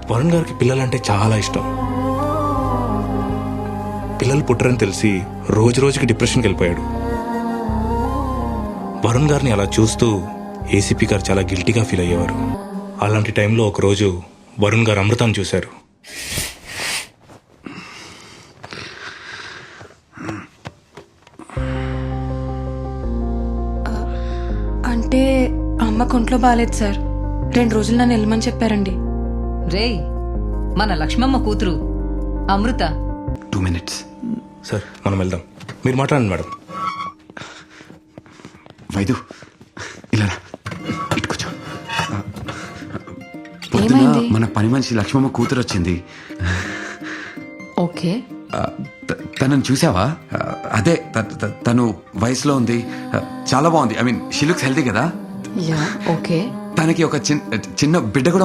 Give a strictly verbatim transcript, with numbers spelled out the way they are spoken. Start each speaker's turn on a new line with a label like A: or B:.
A: వరుణ్ గారికి పిల్లలంటే చాలా ఇష్టం. పిల్లలు పుట్టరని తెలిసి రోజు రోజుకి డిప్రెషన్కి వెళ్ళిపోయాడు. వరుణ్ గారిని అలా చూస్తూ ఏసీపీ గారు చాలా గిల్టీగా ఫీల్ అయ్యేవారు. అలాంటి టైంలో ఒకరోజు వరుణ్ గారు అమృతాన్ని చూశారు.
B: అంటే అమ్మ కొంట్లో బాగాలేదు సార్, రెండు రోజులు నన్ను వెళ్ళమని చెప్పారండి.
C: రేయ్, మన లక్ష్మమ్మ కూతురు అమృత.
D: టూ మినిట్స్
A: సార్ మనం వెళ్దాం, మీరు మాట్లాడండి మేడం.
D: వైదు ఇలా రా. ఇటుకొచ్చా. పొద్దున
B: ఏమైంది?
D: మన పని మనిషి లక్ష్మమ్మ కూతురు వచ్చింది.
C: ఓకే,
D: ఆ, త- తనని చూసావా? ఆ, అదే త- త- తను వయసులో ఉంది, ఆ, చాలా బాగుంది. I mean she looks healthy కదా.
C: Yeah okay.
D: తనకి ఒక చిన్న చిన్న బిడ్డ కూడా